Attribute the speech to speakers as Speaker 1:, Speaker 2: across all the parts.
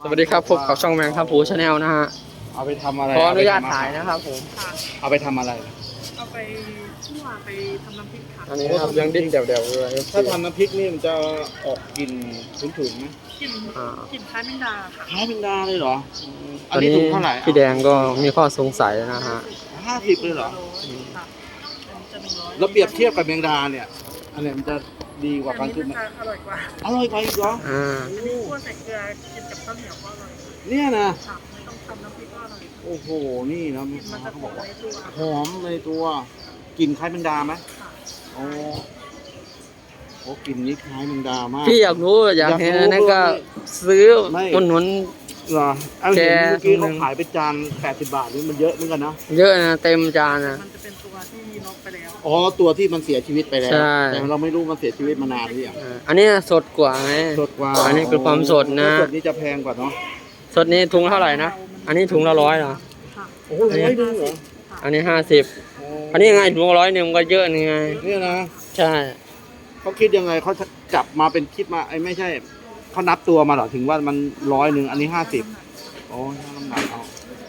Speaker 1: สวัสดีครับพบกับช่องแมงครับผูชาแนลนะฮะ
Speaker 2: เอาไปทำอะไร
Speaker 1: ขออนุญาตถ่ายนะครับผม
Speaker 2: เอาไปทำอะไร
Speaker 3: เอาไปคั่วไปทำน้ำพริกค่ะ
Speaker 1: อันนี้นะครับยังดิ้นเดี่ยวๆเลย
Speaker 2: ถ้าทำน้ำพริกนี่มันจะออกกลิ่นฉุนๆไหม
Speaker 3: กลิ่นกลิ่นคล้ายแมงดาค่ะ
Speaker 2: คล้ายเป็นดาเลยเหรอ
Speaker 1: ตอนนี้
Speaker 2: ถุงเท่าไหร่
Speaker 1: พี่แดงก็มีข้อสงสัยนะฮะ
Speaker 2: 50เลยเหรอ
Speaker 3: ค่ะอันนี้จะ100
Speaker 2: แล้วเปรียบเทียบกับแมงดาเนี่ยอันไหนมันจะดีกว่า
Speaker 3: อั
Speaker 2: กัน
Speaker 3: น
Speaker 2: ขึ้
Speaker 3: นี้
Speaker 2: นไหม
Speaker 3: มันจะอร่อยกว่า
Speaker 2: อร่อยกว่าอีกเหรอ
Speaker 1: อ่า
Speaker 3: อันนี้คั่วใส่เกลือกินกับข้าวเหนียวก็อร่อย
Speaker 2: เนี่ยนะ
Speaker 3: ค่ะไม่ต้องทำน้ำพริกก็อร่อย
Speaker 2: โอ้โหนี่นะ
Speaker 3: กลิ่นมันจะ
Speaker 2: เขา
Speaker 3: ห
Speaker 2: บ
Speaker 3: อ
Speaker 2: อก
Speaker 3: ม
Speaker 2: ว่า
Speaker 3: ในตัว
Speaker 2: หอมในตัวกลิ่นคล้ายแมงดาไหม
Speaker 3: ค่ะ
Speaker 2: โอ้โอ้กลิ่นนี้คล้ายแมงดามาก
Speaker 1: พี่อยากรู้อยากเห็นอันนั้นก็ซื้อ
Speaker 2: ไม่
Speaker 1: อุดหนุน
Speaker 2: เหรอเอา
Speaker 1: แก
Speaker 2: เห็นเมื่อกี้
Speaker 1: ตรงนึ
Speaker 2: เขา
Speaker 1: ง
Speaker 2: ขายเป็นจาน80 บาทนี่มันเยอะเหมือนกันนะ
Speaker 1: เยอะนะเต็มจานนะ
Speaker 3: มันจะเป็นตัวที่น็อกไปแล้ว
Speaker 2: อ๋อตัวที่มันเสียชีวิตไปแล้ว
Speaker 1: ใช่
Speaker 2: แต่เราไม่รู้มันเสียชีวิตมานานหรือยัง
Speaker 1: อันนี้สดกว่าไง
Speaker 2: สดกว่า
Speaker 1: อันนี้คือความสดนะ
Speaker 2: สดนี่จะแพงกว่าเนาะ
Speaker 1: สดนี้ถุงเท่าไหร่นะอันนี้ถุงละ100เหรอ
Speaker 3: ค่ะ
Speaker 2: โอ้โห100นึงเหรอ
Speaker 1: อันนี้50อันนี้ยังไงถุงละ100มันก็เยอะนี่ไง
Speaker 2: เนี่ยนะ
Speaker 1: ใช่
Speaker 2: เขาคิดยังไงเขาจับมาเป็นคิดมาไอ้ไม่ใช่เขานับตัวมาเหรอถึงว่ามัน100อันนี้50โอ้ยน้ำหนักเอา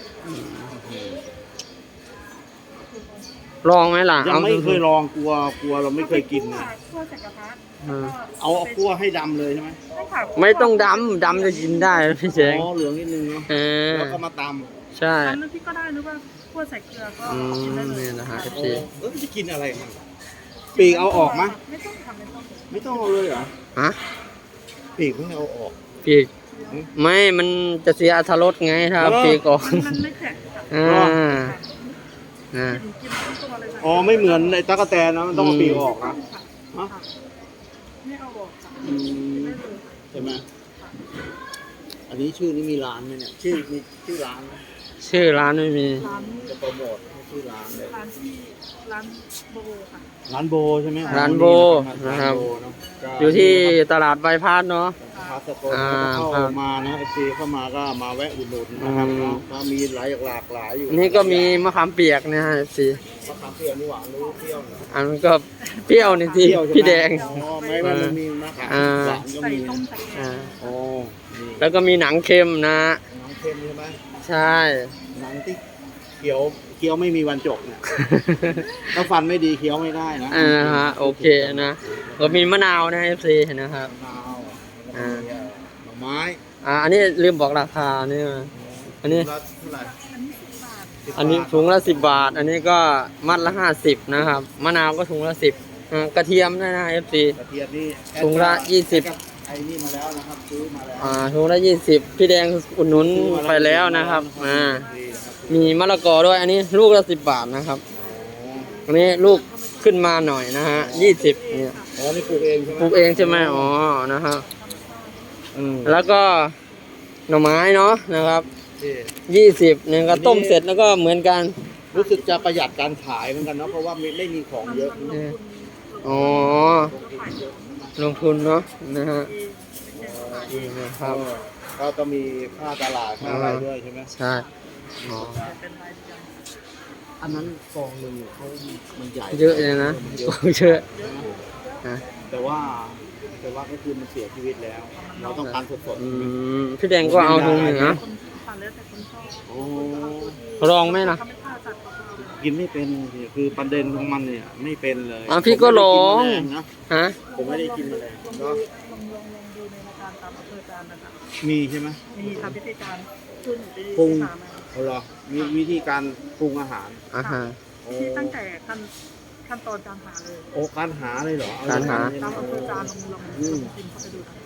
Speaker 1: ลองไหมล่ะ
Speaker 2: ยังไม่เคยลองกลัวเราไม่เคยกินนะ
Speaker 3: คั่วใส่กระทะ
Speaker 2: เอาคั่วให้ดำเลยใช่ไหม
Speaker 3: ใช่ค่ะ
Speaker 1: ไม่ต้องดำจะกินได้พี่เจง
Speaker 2: อ๋อเหลืองนิดนึงเนาะ
Speaker 1: เออ
Speaker 2: แล้วก็มาต
Speaker 1: ใช่
Speaker 3: ทำน้ำพริกก็ได้หรือว่าคั่วใส่เกลือก็
Speaker 1: อื
Speaker 3: กินได้
Speaker 1: ม
Speaker 3: เลย
Speaker 1: นี่นะฮะ
Speaker 2: ำ
Speaker 1: FC
Speaker 2: แล้วมันจะกินอะไรมันปีกเอาออกไหม
Speaker 3: ไม่ต้องทำไม่ต้อง
Speaker 2: ไม่ต้องเอาเลยเหรอ
Speaker 1: ฮะ
Speaker 2: ปีกไม่เอาออก
Speaker 1: ปีกไม่มันจะเสียอรรถรสไงถ้าเอา
Speaker 2: เหรอ
Speaker 1: ปีกออก
Speaker 3: มันไม่แข็งค่ะ
Speaker 1: อ่าอ่า
Speaker 3: กินทั้งตัวเลยค่ะ
Speaker 2: อ๋อไม่เหมือนในตั๊กแตนนะมันต้องเอาปีกออกนะ
Speaker 3: ค่ะ ไม่เอาออกค่ะ
Speaker 2: อืม
Speaker 3: ได้เลย
Speaker 2: ใช่ไหมอันนี้ชื่อนี้มีร้านไหมเนี่ยชื่อมีชื่อร้านไหม
Speaker 1: ชื่อร้านไม่มี
Speaker 3: ร้าน
Speaker 2: จะโปรโมทให้ชื่อร้านเลย
Speaker 3: ร้านที่ร้านโบค่ะ
Speaker 2: ร้านโบใช่ไหม
Speaker 1: ร้านโบนะครับ
Speaker 2: ร้านโบเนอะก็
Speaker 1: อยู่ที่ตลาดใบพัดเนาะ
Speaker 2: พาสโกนเข้า
Speaker 1: ครับ
Speaker 2: มานะเอฟซีเข้ามาก็มาแวะอุดหนุนนะครับ
Speaker 1: อืม
Speaker 2: ก็มีหลากหลายอยู่
Speaker 1: อันนี้ก็มีมะขามเปียกนะฮะ FC
Speaker 2: มะขามเปรี้ยวนี่หวานหรือเปรี้ยวนะ
Speaker 1: อันนั้นก็เปรี้ยวนี่ที่
Speaker 2: เปรี้ยวใช่ไหม
Speaker 1: พี่แดง
Speaker 2: อ๋อไม่ว่ามันมีมะขาม
Speaker 1: อ่า
Speaker 2: หวานก็
Speaker 3: ใส่
Speaker 2: มี
Speaker 3: ต้มใส่แก
Speaker 1: อ่าง
Speaker 2: โอ้นี่
Speaker 1: แล้วก็มีหนังเค็มนะ
Speaker 2: หนังเค็มใช่ไหม
Speaker 1: ใช่
Speaker 2: หนังที่เคี้ยวไม่มีวันจบเนี่ย ถ้าฟันไม่ดีเคี้ยวไม่ได้นะ
Speaker 1: อ่าฮะโอเคนะก็มีมะนาวนะ FC นะครับ
Speaker 2: มะนาว
Speaker 1: อ่า
Speaker 2: หน่อไม้
Speaker 1: อันนี้ลืมบอกราคานี่มาอันนี้
Speaker 2: ถุงละเท่าไหร่
Speaker 3: อันนี้10 บาท
Speaker 1: อันนี้ถุงละ10 บาท อันนี้ก็มัดละ50นะครับมะนาวก็ถุงละ10กระเทียมด้วยนะ FC
Speaker 2: กระเทียมนี่
Speaker 1: ถุงละ20
Speaker 2: ไอ้นี่มาแล้วนะครับซื้อมาแล้ว
Speaker 1: ถุงละ20พี่แดงอุดหนุนไปแล้วนะครับมีมะละกอด้วยอันนี้ลูกละ10 บาทนะครับอันนี้ลูกขึ้นมาหน่อยนะฮะ20เนี่ย
Speaker 2: อ๋อนี่ปลูกเองใช่ไหม
Speaker 1: ปลูกเองใช่ไหมอ๋อนะครับ แล้วก็หน่อไม้เนาะนะครับ
Speaker 2: นี่
Speaker 1: 20เนี่ยก็ต้มเสร็จแล้วก็เหมือนกัน
Speaker 2: รู้สึกจะประหยัดการขายเหมือนกันเนาะเพราะว่าไม่มีของเยอะ
Speaker 1: อ๋อลงทุนเนาะนะฮะนี่นะครับ
Speaker 2: ก็ต้องมีค่าตลาดค่าอะไรด้วยใช่ไหม
Speaker 1: ใช่อ๋อ
Speaker 3: เป็นรายเดือน
Speaker 2: อันนั้นกองหนึ่งเขามันใหญ่
Speaker 1: เยอะเลยนะ
Speaker 2: มันเยอะ
Speaker 1: เยอะนะ
Speaker 2: แต่ว่าก็คือมันเสียชีวิตแล้ว เราต้องการสดๆ
Speaker 1: อื
Speaker 2: ใช่ไหม
Speaker 1: มพี่แดงก็เอาถุงหนึ่งนะ
Speaker 3: คนทานแล้วแต่คนชอบ
Speaker 2: โอ้
Speaker 1: ลองไหมล่ะ
Speaker 3: เขาไม่กล้าจัดของเราเลย
Speaker 2: กินไม่เป็นสิคือประเด็นของมันเนี่ยไม่เป็นเลย
Speaker 1: พี่ก็ลอง
Speaker 2: ผมไม่ได้กินแมลนะ
Speaker 1: ฮะ
Speaker 2: ผมไม่ได้กินแมลง
Speaker 3: ลอง
Speaker 2: เนาะ
Speaker 3: ดูในรายการตามอำเภอการนะคะ
Speaker 2: มีใช่ไหม
Speaker 3: มีทำพิธีการขึ้นไป
Speaker 2: ปรุง
Speaker 3: ที่สาม
Speaker 2: เอาเหรอมีวิธีการปรุงอาหาร
Speaker 1: อ่าฮะ
Speaker 2: โอ้
Speaker 3: ที่ตั้งแต่ขั้นตอนการหาเลย
Speaker 2: โอ้การหาเลยเหรอเอ
Speaker 1: การหา
Speaker 2: อย่ง
Speaker 3: ตาม
Speaker 2: นั้น
Speaker 3: อำเภ
Speaker 2: เล
Speaker 3: อย การลองกินเข้าไปดูนะ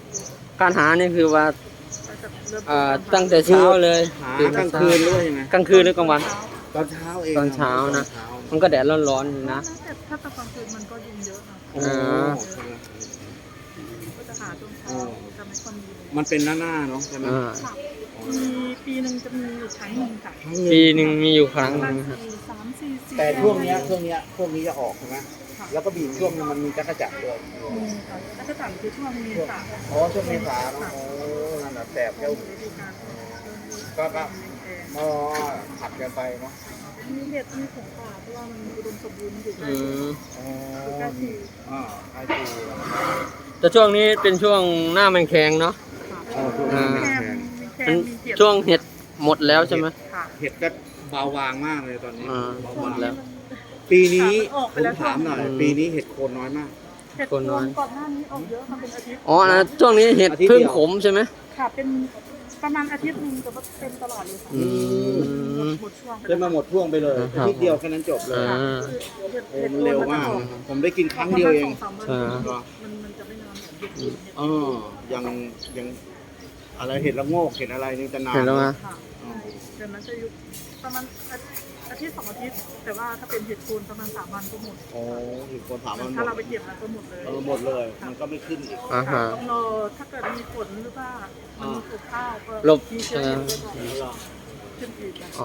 Speaker 1: การหานี่คือว่า
Speaker 3: ก็จะเริ่ม
Speaker 1: ตั้งแต่เช้าเลย
Speaker 2: หากลางคืนหรือว่ายังไง
Speaker 1: กลางคืนหรือกลางวัน
Speaker 2: ตอนเช้าเอง
Speaker 1: ตอนเช้านะ
Speaker 2: ตอเช้า
Speaker 1: มันก็แดดร้อนๆอยู่นะ
Speaker 3: แต่ถ้าตอนกลางคืนมันก็ยุงเยอะนะ
Speaker 2: โอ้
Speaker 1: อ่า
Speaker 3: ก็จะหาช่วงเช้าจะไม่ค่อยมีเลย
Speaker 2: มันเป็นหน้าเนาะใช่ไหม
Speaker 1: อ่า
Speaker 3: ค่ะมีปีหนึ่งจะมีอยู่ครั้งหนึ่งค่ะ
Speaker 2: ครั้งหนึ่ง
Speaker 1: ปีหนึ่งมีอยู่ครั้งห
Speaker 3: ประ
Speaker 1: นึ
Speaker 3: มาง ณ
Speaker 1: ฮะ
Speaker 3: 3-4
Speaker 2: แต่ช่วงเนี้ยพวกนี้จะออกใช่ไหมแล้วก็บีบช่วงนึงมันมีจักรจักรด้วย
Speaker 3: มีค่ะแล้วก็ต่างคือช่วงเมษา
Speaker 2: อ๋อช่วงเมษาเนาะโอ้นั่นแหละแสบเจ้า
Speaker 3: ฤดูกาล
Speaker 2: ก็อ๋อผัดกันไปเนาะ
Speaker 3: มีเห็ดมีของป่าเพราะว่ามันอุดมสมบูรณ์อยู่ใกล้
Speaker 1: อืม
Speaker 2: อ๋อ
Speaker 3: ใกล้ที่
Speaker 2: ใกล้ปู
Speaker 1: แต่ช่วงนี้เป็นช่วงหน้ามันแข็งเนาะ
Speaker 3: ค่ะ
Speaker 2: อ๋อช่วง
Speaker 1: อ่า
Speaker 2: นี้
Speaker 3: แค
Speaker 2: แข็
Speaker 3: ม
Speaker 2: ง
Speaker 3: มีแคแค่
Speaker 1: มัน
Speaker 3: มีเห็ด
Speaker 1: ช่วงเห็ดหมดแล้วใช่ไหม
Speaker 3: ค่ะ
Speaker 2: เห็ดก็เบาบางมากเลยตอนนี้
Speaker 1: อ่า
Speaker 2: เบา
Speaker 1: หม
Speaker 2: บา
Speaker 1: ด
Speaker 2: ง
Speaker 1: แล้ว
Speaker 2: ปีนี้
Speaker 3: ออก
Speaker 2: ผ
Speaker 3: ไป
Speaker 2: ม
Speaker 3: แล้ว
Speaker 2: ถามหน่อย
Speaker 1: อืม
Speaker 2: ปีนี้เห็ดโคนน้อยมาก
Speaker 3: เห็ด
Speaker 1: คนน้อย
Speaker 3: ก่อนหน้านี้ออกเยอะมาเป็นอาทิตย์
Speaker 1: อ๋อนะช่วงนี้เห็ด
Speaker 2: อาทิตย์
Speaker 1: พึ่ง
Speaker 2: เดียว
Speaker 1: ขมใช่ไหม
Speaker 3: ค่ะเป็นประมาณอาทิตย์หนึงแต่ว่าเป็นตลอดเลยค่ะ
Speaker 1: อืม
Speaker 3: หมดช่วงไป
Speaker 2: ได้มาหมดช่วงไปเลย
Speaker 1: ครั
Speaker 2: อา
Speaker 1: บ
Speaker 2: ทิตย์เดียวแค่นั้นจบเลย
Speaker 1: อ่า
Speaker 2: โอ้มันเร็วมากนะครับผมได้กินครั้งเดียวเอง
Speaker 1: ใช่
Speaker 3: มันจะไม่นานเหมือนเห็ดอื่นเห็ด
Speaker 2: เออยังอะไรเห็ดละโงกเห็ดอะไรนี่จะนาน
Speaker 1: เห็นแล้วไหม
Speaker 3: ค่ะเดือนนั้นจะอยู่ประมาณอาทิตย์2 อาทิตย์ แต่ว่าถ้าเป็นเห็ดโคนประมาณ3 วันก็หมด
Speaker 2: โอ้เห็ดโคนถามมันหม
Speaker 3: ถ้าเรา
Speaker 2: ด
Speaker 3: ไปเก็บแล้วก็หมดเลย
Speaker 2: หมดเลย มันก็ไม่ขึ้นอีก
Speaker 1: อ่าฮะ
Speaker 3: ต้องรอถ้าเกิดมีฝนหรือว่ามันมีปลูกข้าวก็
Speaker 1: หลบ
Speaker 3: มีเชื้อเห็ดก็
Speaker 2: แล้วเหรอ
Speaker 3: ขึ้นอีกนะ
Speaker 1: อ๋อ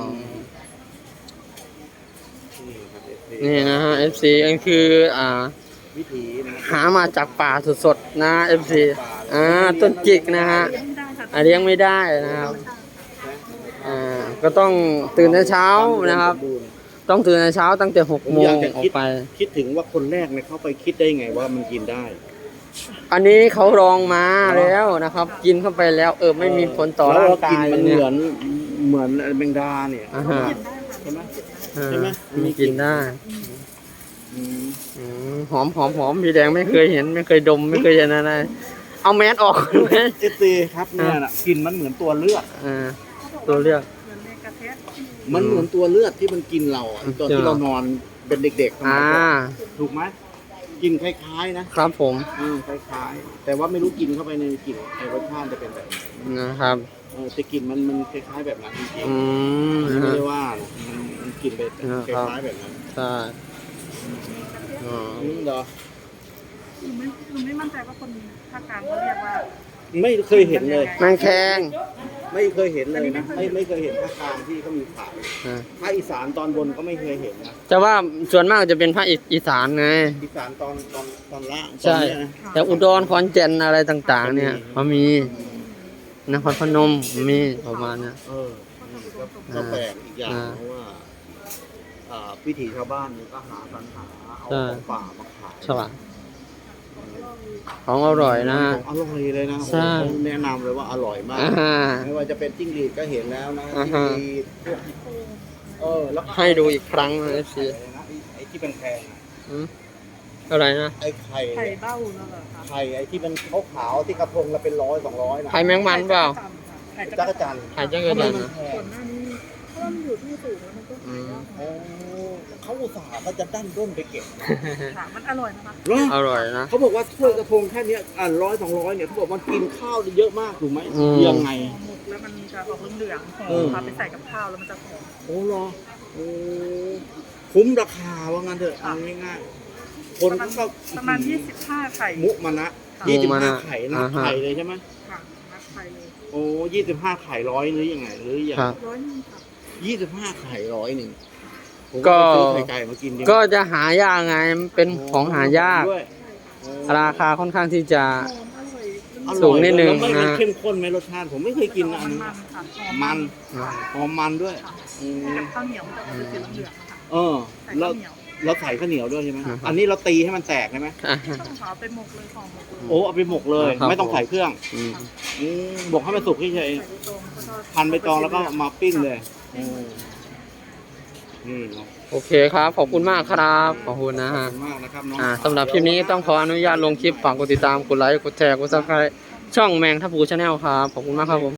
Speaker 2: นี่ครับ FC
Speaker 1: นี่นะฮะ FC อันคือ
Speaker 2: วิถีนะ
Speaker 1: หามาจากป่าสดๆนะ FC ต้นจิกนะฮะ
Speaker 3: เลี้ยงไม่ได้ค่ะ
Speaker 1: เลี้ยงไม่ได้นะครับ ก็ต้องตื่นแต่เช้านะครับ ต้องตื่นแต่เช้าตั้งแต่6 โมงออกไป
Speaker 2: คิดถึงว่าคนแรกเนี่ยเขาไปคิดได้ไงว่ามันกินได้
Speaker 1: อันนี้เขาลองมาแล้วนะครับ กินเข้าไปแล้วไม่มีผลต่อร่างกาย
Speaker 2: มัน
Speaker 1: เนี่ย
Speaker 2: เหมือนแมงดาเนี่ย
Speaker 1: อ่าฮะ
Speaker 3: กินได้ค่ะ
Speaker 2: ใช่ไหม
Speaker 1: อ่า
Speaker 2: ใช่ไหม
Speaker 1: มีกินได้
Speaker 2: อืม
Speaker 1: หอมหอมหอมพี่แดงไม่เคยเห็นไม่เคยดมไม่เคยเห็นอะไรเอาแมสออกไหม
Speaker 2: เอซีครับเนี่ยน่ะกลินมันเหมือนตัวเลือด
Speaker 1: ตัวเลือก
Speaker 3: เหมือนในกระเทศ
Speaker 2: มันเหมือนตัวเลือดที่มันกินเราอ่ะตอนที่เรานอนเป็นเด็กๆสมัยก่อนถูกไหมกินคล้ายๆนะครับ
Speaker 1: ผม
Speaker 2: คล้ายๆ แต่ว่าไม่รู้กินเข้าไปในกลิ่นในรสชาติจะเป็นแบบไหน
Speaker 1: นะครับ
Speaker 2: แต่กลิ่นมันคล้ายๆแบบนั้นจริง
Speaker 1: อืม
Speaker 2: ๆ
Speaker 1: นะ
Speaker 2: ไม่
Speaker 1: ฮะ
Speaker 2: ได้ว่านะมันกลิ่นแบบคล้ายๆแบบนั้น
Speaker 1: ใช่อ๋อ
Speaker 2: เหรอ
Speaker 3: หนูไม่มั่นใจว่าคนภาคกลางเขาเรียกว่า
Speaker 2: ไม่เคยเห็นเลย
Speaker 1: แมงแคง
Speaker 2: ไม่เคยเห็นเลยนะไม่เคยเห็นภาคกลางที่เขามีขาย
Speaker 1: อ่า
Speaker 2: ภาคอีสานตอนบนก็ไม่เคยเห็นนะ
Speaker 1: แต่ว่าส่วนมากจะเป็นภาคอีสานไง
Speaker 2: อีสานตอนล่าง
Speaker 1: ใช่
Speaker 2: ตอนเนี้ยนะ
Speaker 1: แต่อุดรขอนแก่นอะไรต่างๆ เนี่ยเขามีนครพนมมีประมาณเนี้ย
Speaker 2: ก็แปลกอีกอย่าง
Speaker 1: อ่า
Speaker 2: เพราะว่าวิถีชาวบ้านเนี่ยก็หาสรรหาเอา
Speaker 1: ใช่
Speaker 2: ของป่ามาขาย
Speaker 1: ใช่ป่ะของอร่อยนะ
Speaker 2: ของอร่อยเลยนะ
Speaker 1: ใช่
Speaker 2: ผมแนะนำเลยว่าอร่อยมาก
Speaker 1: อ่า
Speaker 2: ไม่ว่าจะเป็นจิ้งหรีดก็เห็นแล้วนะ
Speaker 1: อ่า
Speaker 2: จิ้ง
Speaker 1: ฮะ
Speaker 2: หรีดพวกแล้วก็
Speaker 1: ให้ดูอีกครั้งนะสิ
Speaker 2: ไอ้ที่เป็นแพงอะ
Speaker 1: อะไรนะ
Speaker 2: ไอ้ไข่
Speaker 3: ไข่เบ้านั่นแหละค่ะ
Speaker 2: ไข่ไอ้ที่มันขาวๆที่กระทงละเป็น100-200นะ
Speaker 1: ไข่แมงมันเปล่า
Speaker 3: ไข่
Speaker 2: จักรจันทร์
Speaker 1: ไข่จักรจันทร์
Speaker 2: ทำไมมันแพ
Speaker 3: ก่อง นหน้านี้เพราะว่ามันอยู่ที่สูงแล้วมันก็ขายยาก
Speaker 2: โอ้เขาอุตส่าห์ก็จะดั้นด้นไปเก็บ
Speaker 3: ค่ะมันอร่อยนะคะ
Speaker 2: เหรอ
Speaker 1: อร่อยนะ
Speaker 2: เขาบอกว่าถ้วยกระทงแค่เนี้ย100-200เนี่ยเขาบอกมันกินข้าวได้เยอะมากถูกไหม
Speaker 1: อืม
Speaker 2: ยังไง
Speaker 3: ห่อหมกแล้วมันจะออกเหลืองๆหอ
Speaker 2: เออ
Speaker 3: มพาไปใส่กับข้าวแล้วมันจะหอม
Speaker 2: โอ้เหรอโอ้คุ้มราคาว่างั้นเถอะเอาง่ายๆคนเขาก็
Speaker 3: ประมาณ25 ไข่
Speaker 2: มุมานะ
Speaker 1: มุมานะ
Speaker 2: 25ไข่นะ
Speaker 1: อ่าฮะ
Speaker 2: ไข่เลยใช่ไหม
Speaker 3: ค่ะนักไข่เลย
Speaker 2: โอ้25ไข่100หรือยังไงหรือยัง
Speaker 1: ครับ
Speaker 3: 100นึงค่ะ
Speaker 2: 25ไข่100ผม
Speaker 1: ก็
Speaker 2: ไปซื้อไข่ไก่มากินดีว่า
Speaker 1: ก็จะหายากไงมันเป็นของหายาก
Speaker 2: ด้วยโอ้
Speaker 1: ราคาค่อนข้างที่จะ
Speaker 3: หอมอร่อย
Speaker 2: อร่อย
Speaker 1: สูงนิดนึง
Speaker 2: แล้วไม่มัน
Speaker 1: นะ
Speaker 2: เข้มข้นไหมรสชาติผมไม่เคยกินนะอัน
Speaker 3: มัน
Speaker 2: นี้
Speaker 3: มันค่ะ
Speaker 2: มัน
Speaker 1: อ่า
Speaker 2: หอมมันด้วย
Speaker 3: ค่ะ
Speaker 2: อืม
Speaker 3: กับข้าวเหนียวมันจะเป็นสีเหลืองๆค่ะ
Speaker 2: เออ
Speaker 3: ใส่
Speaker 2: แล้ว
Speaker 3: ข้าวเหนียว
Speaker 2: เราใส่ข้าวเหนียวด้วยใช่ไหม
Speaker 1: นะครับ
Speaker 2: อันนี้เราตีให้มันแตกใช่ไหม
Speaker 3: ต้องขาวไปหมกเลยหอมหมกเลย
Speaker 2: โอ้เอาไปหมกเลย
Speaker 1: ครับ
Speaker 2: ไม่ต้องใส่เครื่อง
Speaker 1: อืม
Speaker 2: หมกให้มันสุกเฉย
Speaker 3: ใส่ใบตองก็ทอด
Speaker 2: ๆพันใบตองแล้วก็มาปิ้งเลยนี่เนาะ
Speaker 1: โอเคครับ ขอบคุณมากครับ ขอบคุณนะ
Speaker 2: ขอบ
Speaker 1: ฮะ
Speaker 2: คุณมากนะครับน้อง
Speaker 1: สำหรับคลิปนี้ต้องขออนุญาตลงคลิปฝากกดติดตามกดไลค์กดแชร์กดซับสไครต์ช่องแมงทับพูชาแนลครับ ขอบคุณมากครับผม